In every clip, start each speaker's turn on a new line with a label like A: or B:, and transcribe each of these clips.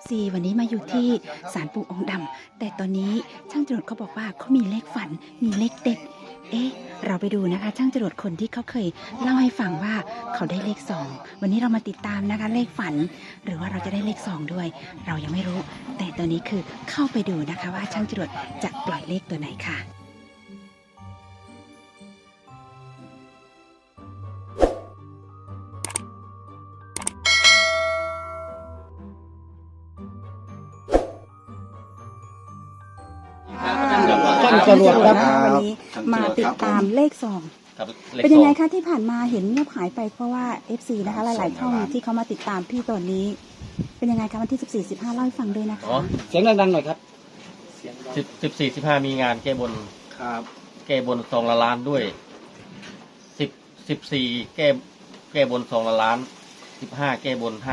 A: FC วันนี้มาอยู่ที่ศาลปู่องค์ดำแต่ตอนนี้ช่างจรวดเขาบอกว่าเขามีเลขฝันมีเลขเด็ดเราไปดูนะคะช่างจรวดคนที่เขาเคยเล่าให้ฟังว่าเขาได้เลข2วันนี้เรามาติดตามนะคะเลขฝันหรือว่าเราจะได้เลข2ด้วยเรายังไม่รู้แต่ตอนนี้คือเข้าไปดูนะคะว่าช่างจรวดจะปล่อยเลขตัวไหนค่ะ
B: ช่างจรวดครับ
A: วันนี้มาติดตามเลข2เป็นยังไงคะที่ผ่านมาเห็นเงียบหายไปเพราะว่า FC นะคะหลายๆช่องที่เขามาติดตามพี่ตอนนี้ เป็นยังไงคะวันที่ 14-15เล่าให้ฟังด้วยนะคะ
B: เสียงดังๆหน่อยครับ
C: 14-15มีงานแก้บนครับแก้บน2 ล้านด้วย14แก้บน2 ล้าน15แก้บน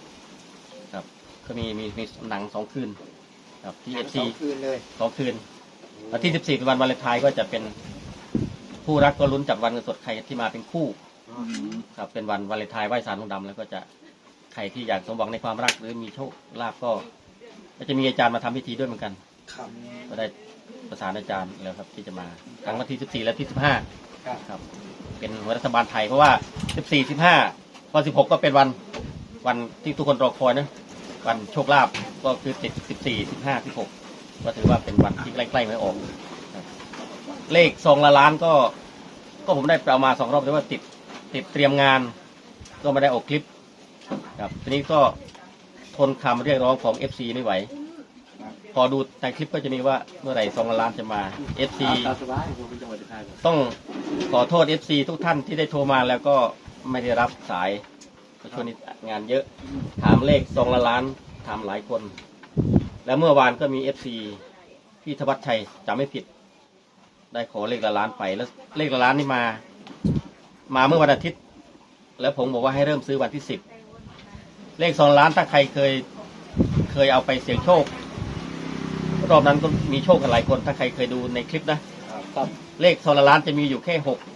C: 51ครับก็มีหนัง2 คืนครับที่ FC
B: 2 คืนเลย
C: 2 คืนวันที่14เป็นวันวาเลนไทน์ก็จะเป็นผู้รักก็ลุ้นจับวันเงินสดใครที่มาเป็นคู่ครับเป็นวันวาเลนไทน์ไหว้ศาลองค์ดำแล้วก็จะใครที่อยากสมหวังในความรักหรือมีโชคลาภก็จะมีอาจารย์มาทำพิธีด้วยเหมือนกันก็ได้ประสานอาจารย์แล้วครับที่จะมาทั้งวันที่14และที่15ครับเป็นรัฐบาลไทยเพราะว่า14 15พอ16ก็เป็นวันที่ทุกคนรอคอยนะวันโชคลาภก็คือ14 15 16ก็ถือว่าเป็นวันที่ใกล้ๆไม่ออกเลข2 ล้านก็ผมได้เอามา2 รอบแต่ว่าติดเตรียมงานก็ไม่ได้ออกคลิปครับทีนี้ก็ทนคำเรียกร้องของ FC ไม่ไหวพอดูในคลิปก็จะมีว่าเมื่อไหร่2 ล้านจะมา FC ต้องขอโทษ FC ทุกท่านที่ได้โทรมาแล้วก็ไม่ได้รับสายช่วงนี้งานเยอะถามเลข2 ล้านถามหลายคนแล้วเมื่อวานก็มี FC พี่ธวัชชัยจำไม่ผิดได้ขอเลข1 ล้านไปแล้วเลข1 ล้านนี่มาเมื่อวันอาทิตย์แล้วผมบอกว่าให้เริ่มซื้อวันที่10เลข2 ล้านถ้าใครเคยเอาไปเสี่ยงโชครอบนั้นก็มีโชคกันหลายคนถ้าใครเคยดูในคลิปนะครับเลข2 ล้านจะมีอยู่แค่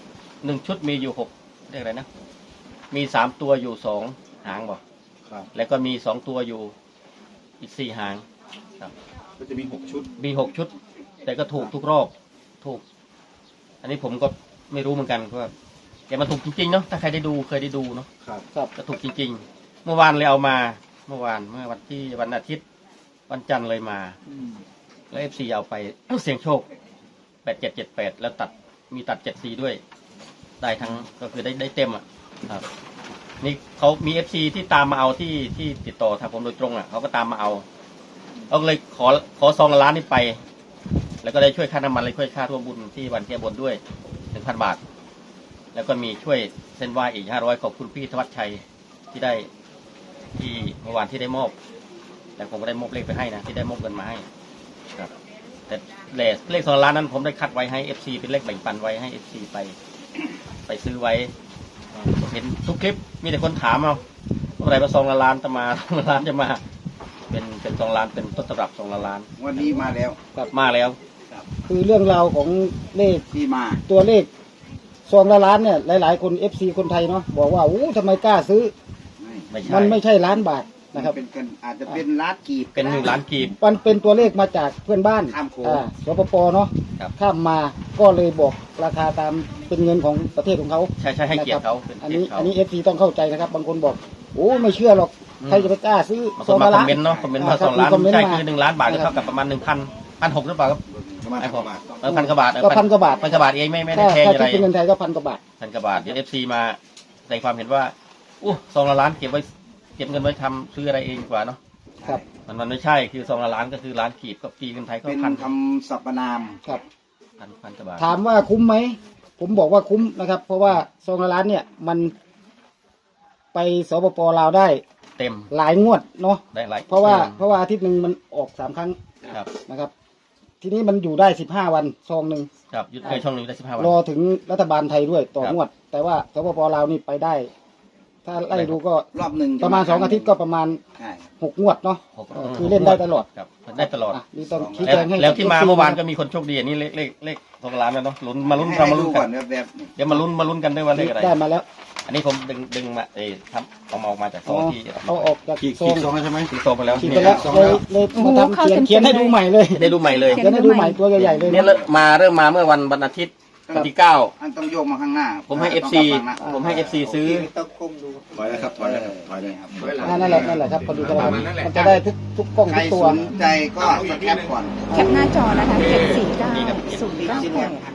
C: 1ชุดมีอยู่6เรียกอะไรนะมี3 ตัวอยู่2 หางบอกแล้วก็มี2 ตัวอยู่อีก4 หางครับ
B: ก็จะมี6 ชุด
C: แต่ก็ถูกทุกรอบถูกอันนี้ผมก็ไม่รู้เหมือนกันว่าแต่มันถูกจริงๆเนาะถ้าใครได้ดูเคยได้ดูเนาะครับก็ถูกจริงๆเมื่อวานเลยเอามาเมื่อวันอาทิตย์วันจันทร์เลยมาแล้ว FC เอาไปเสี่ยงโชค8778แล้วมีตัด74ด้วยได้ทั้งก็คือได้เต็มอ่ะครับนี่เขามี FC ที่ตามมาเอาที่ติดต่อทางผมโดยตรงอ่ะเขาก็ตามมาเอาเลยขอ2 ล้านนี่ไปแล้วก็ได้ช่วยค่าน้ำมันเลยช่วยค่าร่วมบุญที่วันแก้บนด้วย 1,000 บาทแล้วก็มีช่วยเส้นไหว้อีก500ขอบคุณพี่ธวัชชัยที่ได้ที่เมื่อวานที่ได้มอบแต่ผมก็ได้มอบเลขไปให้นะที่ได้มอบเงินมาให้ครับแต่เลข2 ล้านนั้นผมได้คัดไว้ให้ FC เป็นเลขแบ่งปันไว้ให้ FC ไปซื้อไว้เห็นทุกคลิปมีแต่คนถามเอาเมื่อไหร่มา2 ล้านจะมา2 ล้านจะมาเป็น2 ล้านเป็นต้นตำรับ2 ล้าน
B: วันนี้มาแล้ว
C: ครับมาแล้ว
D: คือเรื่องราวของเลข
B: ที่มา
D: ตัวเลข2 ล้านเนี่ยหลายๆคน FC คนไทยเนาะบอกว่าโอ้ทำไมกล้าซื้อมันไม่ใช่ล้านบาทนะครับ
B: เป็นกันอาจจะเป็นล้านกีบ
C: เป็น1 ล้านกีบ
D: มันเป็นตัวเลขมาจากเพื่อนบ้านสปปเนาะข้ามมาก็เลยบอกราคาตามเป็นเงินของประเทศของเขา
C: ใช่ให้เกียรติเขา
D: อันนี้ FC ต้องเข้าใจนะครับบางคนบอกโอ้ไม่เชื่อหรอกใครจะไปกล้าซื้อ
C: 2 ล้านคอมเมนต์เนาะคอมเมนต์ว่า2 ล้านใช่คือ1 ล้านบาทก็เท่ากับประมาณ1,600หรือเปล่าครับ
B: ประมาณ1,000 กว่าบาท
C: 1,000 กว่าบาท
D: ก็1,000 กว่าบาท
C: 1,000 กว่าบาทเองไม่ได้แพงอะไร
D: ถ้าเป็นเงินไทยก็1,000 กว่าบาท
C: 1,000 กว่าบาทเดี๋ยว FC มาแสดงความเห็นว่า2 ล้านเก็บเงินไว้ทำซื้ออะไรเองกว่าเนาะ
D: ครับ
C: มันไม่ใช่คือ2 ล้านก็คือล้านกีบก็ปีเงินไทยก็
B: เป็นคำสรรพนาม
D: ครับ
C: 1,000 กว่าบาท
D: ถามว่าคุ้มไหมผมบอกว่าคุ้มนะครับเพราะว่า2 ล้านเนี่ยมันไปสปปลาวได้
C: เต็ม
D: หลายงวดเนาะ
C: ได้หลาย
D: เพราะว่าอาทิตย์หนึ่งมันออก3 ครั้งนะครับทีนี้มันอยู่ได้15 วันซองหนึ่ง
C: ครับช่องนึงได้15 วัน
D: รอถึงรัฐบาลไทยด้วยต่องวดแต่ว่าสปปลาวนี่ไปได้ถ้าไล่ดูก็
B: รอบหนึ่ง
D: ประมาณ2 อาทิตย์ก็ประมาณ
B: ใช่
D: 6 งวดเนาะ
C: หก
D: คือเล่นได้ตลอด
C: ครับได้ตลอด
D: อ่ะนี่ต้องชี้
C: แล้ว
D: แจงให้
C: แล้วที่มา
D: FC
C: เมื่อวานก็มีคนโชคดีอันนี้เลข2 ล้านแล้วเนาะลุ้นมาลุ้นเรามาลุ้น
B: ให้
C: กั
B: ก่อน นแบบๆนี่
C: เดี๋ยวมาลุ้นกันด้วยว่าเลขอะไร
D: ได้มาแล้ว
C: อันนี้ผมดึงมาครับเอามาออกมาจากซ
D: อ๋
C: อ
D: อง
C: ที่
D: เอาออกจาก
E: ขีด
D: ซอง
E: ซองใช่ไหม
C: ที่ซองไปแล้ว
D: ขีดไปแล้วเลยมาทำเขียนให้ดูใหม่เลย
C: ได้ดูใหม่เลย
D: เขียนให้ดูใหม่ตัวใหญ่ๆเลย
C: เนี่ยเริ่มมาเมื่อวันอาทิตย์วันที่
B: อันต้องโยกมาข้างหน้า
C: ผมให้ FC ผมให้ FC ซื้อ
B: ต้องก้มดู
E: ถอยแล้วครับถอยแล้วครับถอยเลยครับ
D: นั่นแหละครับพอดีกันแล้วมันจะได้ทุกกล้อง
B: ใคร
D: ทุกตัว
B: สนใจก็สแคปก่อน
A: แคปหน้าจอนะคะ749098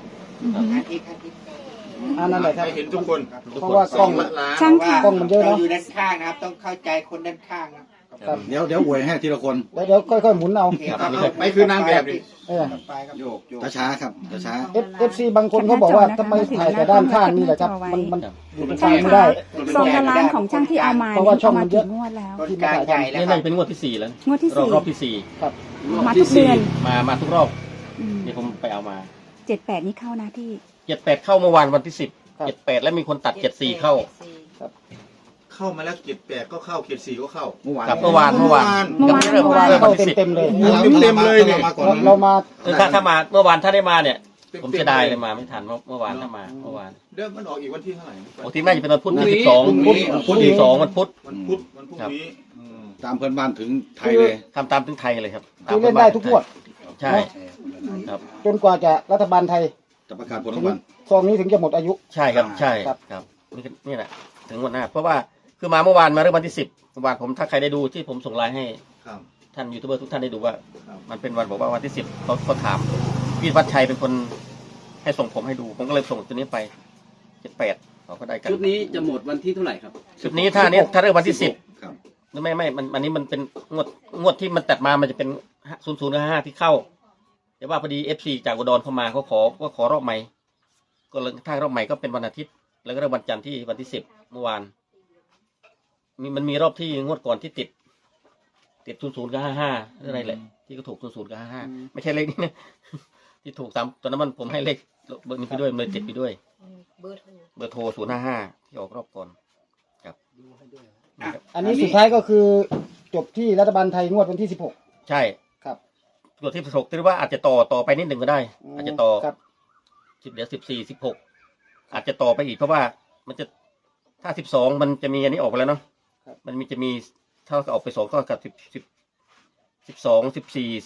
D: นั่นแหละครับ
E: ให้เห็นทุกคน
D: เพราะว่ากล้อง
A: ช่างค่ะ
D: กล้องมันเยอะ
F: เรา
D: เนาะ
F: อยู่ด้านข้างนะครับ ต้องเข้าใจคนด้านข้างนะครับ
E: เดี๋ยวอวยให้ทีละคน
D: เดี๋ยวค่อยๆหมุนเอา
E: ไม่คือนางแบบดิ
D: เออ
B: ไปครับโยก
E: ช้าๆครับช้า
D: FC บางคนเขาบอกว่าทำไมถ่ายแต่ด้านข้างนี่แหละครับมันอยู่ตรงกลางไม่ได้
A: ซองละล้านของช่างที่เอามา
D: เพราะว่าช่องมันเยอะ
A: งวดแล้ว
F: คนกลางใหญ่แล้ว
C: นี่
F: ครั
C: น่า
F: บ
C: จะเป็นงวดที่ 4 แล้ว
A: งวดที่
C: รอบที่
D: ครับ
A: มาทุกเดือน
C: 4มาทุกรอบ
A: อืม
C: นี่ผมไปเอามา
A: 78นี่เข้านะพี่
C: 78เข้าเมื่อวานวันที่
D: ครับ
C: 10 78แล้วมีคนตัด74เข้า
E: เข้ามาแล้ว7-8ก็เข้า7-4ก็เข้าเมื่อวาน
C: กับเมื่อวาน
A: เมื่อวาน
C: ยังไม่เริ่ม
A: เมื่อวาน
C: เริ่ม
D: เข้า
C: วันที่
D: เต็มๆเลย
E: เต็มเลยเนี่ย
D: เรามา
C: 10ถ้ามาเมื่อวานถ้าได้มาเนี่ย ผมจะได้เลยมาไม่ทันเมื่อวานถ้ามาเมื่อวาน
E: เริ่มมันออกอีกวันที่เท่าไหร่
C: ปกติน่าจะเป็นวันพุธ
E: พรุ่งนี้
C: 12พุธ12วันพุธ
E: วันพุธวันพรุ่งนี้
B: ตามเพื่อนบ้านถึงไทยเลย
C: ทำตามถึงไทยเลยครับ
D: คือเล่นได้ทุกงวด
C: ใช่ครับ
D: จนกว่าจะรัฐบาลไทย
B: จะประกาศผล
D: ถึ
B: ราง งวัล
D: ซองนี้ถึงจะหมดอายุ
C: ใช่ครับใช่
D: ครับ
C: ครับนี่แหละถึงวันหน้าเพราะว่าคือมาเมื่อวานมาเริ่มวันที่10เมื่อวานผมถ้าใครได้ดูที่ผมส่งไลน์ให้
E: ครับ
C: ท่านยูทูบเบอร์ทุกท่านได้ดูว่า
E: ครับ
C: มันเป็นวันบอกว่าวันที่10เขาถามพี่วัดชัยเป็นคนให้ส่งผมให้ดูผมก็เลยส่งตัวนี้ไป78เขาก็ได้กัน
G: ชุดนี้จะหมดวันที่เท่าไหร่ครับ
C: ชุดนี้ถ้าเริ่มวันที่10
B: ครับ
C: ไม่อันนี้มันเป็นงวดที่มันตัดมามันจะเป็น0055ที่เข้าแต่ว่าพอดี FC จากอุดรเข้ามาเขาขอรอบใหม่ก็เลยถ้ารอบใหม่ก็เป็นวันอาทิตย์แล้วก็เริ่มวันจันทร์ที่วันที่10เมื่อวานมันมีรอบที่งวดก่อนที่ติด00กับ55อะไรแหละที่ก็ถูก00กับ55ไม่ใช่เลขนี้นะ ที่ถูกตอนนั้นผมให้เลขเบอร์นี้ไปด้วยเลยติดไปด้วยเบอร์โทร055ที่ออกรอบก่อนครับ
D: อันนี้สุดท้ายก็คือจบที่รัฐบาลไทยงวดวันที่ 16
C: ใช่
D: ครับ
C: ตัวที่16ที่ว่าอาจจะต่อไปนิดหนึ่งก็ได้ อาจจะต่อ
D: ครับ
C: เดี๋ยว14 16อาจจะต่อไปอีกเพราะว่ามันจะถ้า12มันจะมีอันนี้ออกไปแล้วเนาะมันจะมีเท่ากับออกไป2ก็กับ12 14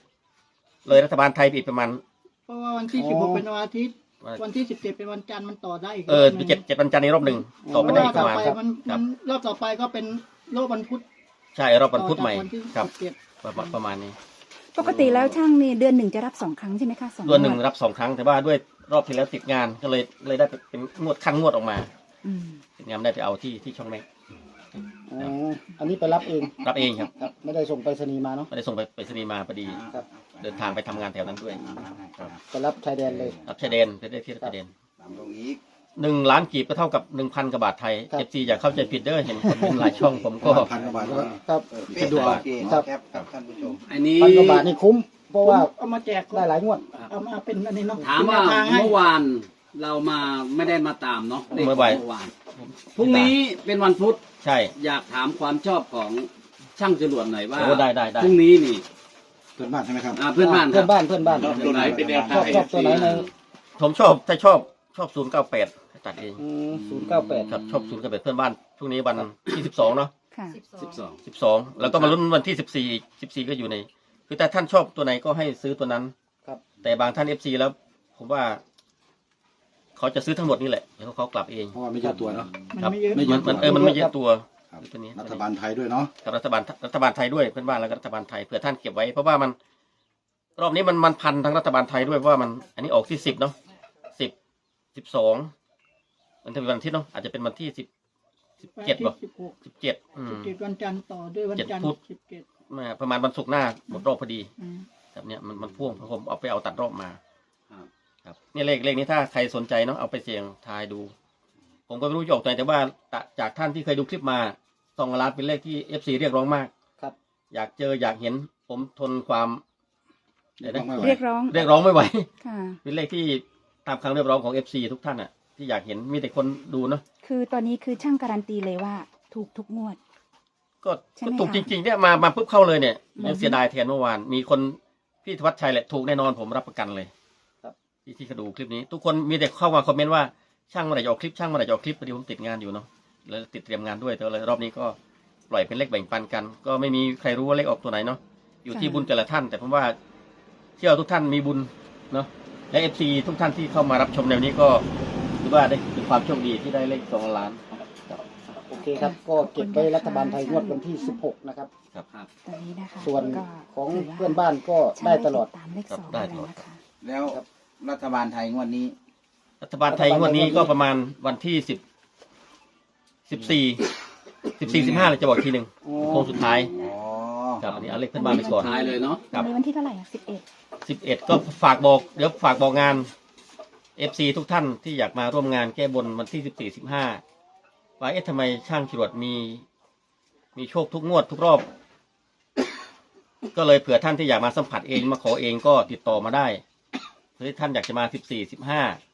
C: 16เลยรัฐบาลไทยไปอีกประมาณ
H: เพราะว่าวันที่ 16 เป็นวันอาทิตย์ วันที่ 17 เป็นวันจันทร์มันต่อได้อีก
C: เจ็ดวันจันทร์ในรอบหนึ่งต่อไปได้อีกประมาณ
H: เพราะว่าต่อไปมัน
C: ครับ
H: รอบต่อไปก็เป็นโลกวันพุธ
C: ใช่รอบวันพุธใหม่
H: ต่อจากวันที่
C: ครับ
H: 17
C: ประมาณนี้
A: ปกติแล้วช่างนี่เดือนหนึ่งจะรับ2 ครั้งใช่ไหมคะ2
C: ตัวหนึ่งรับ2 ครั้งแต่ว่าด้วยรอบที่แล้วติดงานก็เลยได้เป็นงวดขั้นงวดออกมา
A: อืม
C: ติดงานได้ไปเอาที่ช่องแม่
D: อ๋ออันนี้ไปรับเอง
C: รับเองครับ
D: ครับ ไม่ได้ส่งไปรษณีย์มาเนาะ
C: ไม่ได้ส่งไปสนีย์มาพอดี
D: ครับ
C: เดินทางไปทำงานแถวนั้นด้วยครับ
D: ไปรับชายแดนเลย
C: รับชายแดนไปได้ที่ชายแดน
B: ตามตรงนี้
C: 1 ล้านกีบก็เท่ากับ 1,000 กว่าบาทไทย
D: ครับ
C: FC อย่าเข้าใจผิดเด้อเห็นคนเป็นหลายช่องผมก็
E: พันกว่าบาทแล้ว
D: ครับ
B: เป็นดูโอเค
D: ครับ
B: แคปครับท่านผู้ชม
G: อันนี้
D: 1,000 กว่าบาทนี่คุ้ม เพราะว่า
H: เอามาแจก
D: ได้หลายงวด
H: เอามาเป็นอันนี้เนาะ
G: ถามว่า
H: เป็นแนทงให้
G: เมื่อวานเรามาไม่ได้มาตามเนาะเลข
C: เมื่อบ่าย
G: เมื่อวานพรุ่งนี้เป็นวันพุธ
C: ใช่
G: อยากถามความชอบของช่างจรวดหน่อยว่า
C: โอ้ได้
G: พรุ่งนี้นี่
E: เพื่อนบ้านใช่ไหมครับ
G: เพื่อนบ้านค
D: เพื่
G: รั
D: อบ นบ้านเพื่อนบ้าน
E: ตัวไหนเป็นแนวทาง
D: ชอบตัวไหนใน
C: ผมชอบ098ตัดเอง
D: 098
C: ครับชอบ098เพื่อนบ้านพรุ่งนี้วันที่12เนาะ
A: ค่ะ
G: 12
C: 12แล้วก็มาลุ้นวันที่14ก็อยู่ในคือแต่ท่านชอบตัวไหนก็ให้ซื้อตัวนั้น
D: ครับ
C: แต่บางท่าน FC แล้วผมว่า เขาจะซื้อทั้งหมดนี่แหละเดี๋ยวเขากลับเอง
E: เพราะว่าไม่เยอะตัวเนาะ
H: มัน
C: ครับ
H: ไม่เยอะ
E: ไม่เยอะ
C: มันไม่เยอะตัว
E: ครับ
C: ตัวนี้
E: รัฐบาลไทยด้วยเนาะ
C: กับรัฐบาลไทยด้วยเพื่อนบ้านแล้วก็รัฐบาลไทยเผื่อท่านเก็บไว้เพราะว่ามัน รอบนี้มันพันทั้งรัฐบาลไทยด้วยเพราะว่ามัน อันนี้ออกที่10เนาะ10 12มันจะเป็นวันอาทิตย์เนาะอาจจะเป็นวันที่17ป่ะ
H: 16
C: 17
H: 17 วันจันทร์ต่อด้วยวันจันทร์
C: พุธ
H: 17
C: มาประมาณวันศุกร์หน้าหมดรอบพอดี
H: อืม
C: แบบเนี้ยมันพ่วงผมเอาไปเอาตัดรอบมา
G: ครับ
C: ครับเนี่ยเลขนี้ถ้าใครสนใจเนาะเอาไปเสี่ยงทายดู ผมก็ไม่รู้จะออกตัวไหนแต่ว่าจากท่านที่เคยดูคลิปมา2 ล้านเป็นเลขที่ FC เรียกร้องมาก
D: ครับ
C: อยากเจออยากเห็นผมทนความเดี๋ยวนะ
A: เรียกร้อง
C: เรียกร้องไม่ไหว
A: ค่ะ
C: เป็นเลขที่ตามคำเรียกร้องของ FC ทุกท่านอ่ะที่อยากเห็นมีแต่คนดูเนาะ
A: คือตอนนี้คือช่างการันตีเลยว่าถูกทุกงวด
C: ก็
A: ใช่ไหม
C: ก็ถูก
A: คะ
C: จริงๆเนี่ยมาปุ๊บเข้าเลยเนี่ย
A: อืม
C: ยังเสียดายแทนเมื่อวานมีคนพี่ธวัชชัยแหละถูกแน่นอนผมรับประกันเลย
D: ครับ
C: ที่เขาดูคลิปนี้ ทุกคนมีแต่เข้ามาคอมเมนต์ว่าช่างเมื่อไหร่จะออกคลิปช่างเมื่อไหร่จะออกคลิปพอดีผมติดงานอยู่เนาะแล้วติดเตรียมงานด้วยแต่เลยรอบนี้ก็ปล่อยเป็นเลขแบ่งปันกัน ก็ไม่มีใครรู้ว่าเลขออกตัวไหนเนาะอยู่ที่บุญแต่ละท่าน แต่ผมว่าเชื่อทุกท่านมีบุญเนาะและเอฟซีทุกท่านที่เข้ามารับชมในวันนี้ก็ถือว่าได้เป็นความโชคดีที่ได้เลข2 ล้านครับ
D: โอเคครับ ก็เก็บไว้รัฐบาลไทยงวดวันที่ 16 นะครับ
A: ตอนนี้นะคะ
D: ส่วน
A: ก็
D: ของ
A: ถืว่า
D: เพื่อนบ้านก็ได้ตลอด
A: ตามเลข
C: ครับ
A: 2
C: ได้
A: เลย
C: ตลอด
A: นะคะ
B: แล้วรัฐบาลไทยงวดนี้
C: รัฐบาลไทยงวดนี้ก็ประมาณวันที่14 15เลยจะบอกอีกทีหนึ่ง
D: อ๋อ
C: โค้งสุดท้าย
B: อ๋อ
C: ครับอันนี้เอาเลขเพื่อนบ้านไปก่อน
G: ท้ายเลยเนาะ
C: ครับ
A: วันนี้วันที่เท่าไหร่อ่ะ11
C: 11ก็ฝากบอกเดี๋ยวฝากบอกงาน FC ทุกท่านที่อยากมาร่วมงานแก้บนวันที่14 15ว่าทำไมช่างจรวดมีโชคทุกงวดทุกรอบ ก็เลยเผื่อท่านที่อยากมาสัมผัสเองมาขอเองก็ติดต่อมาได้หรือท่านอยากจะมา14 15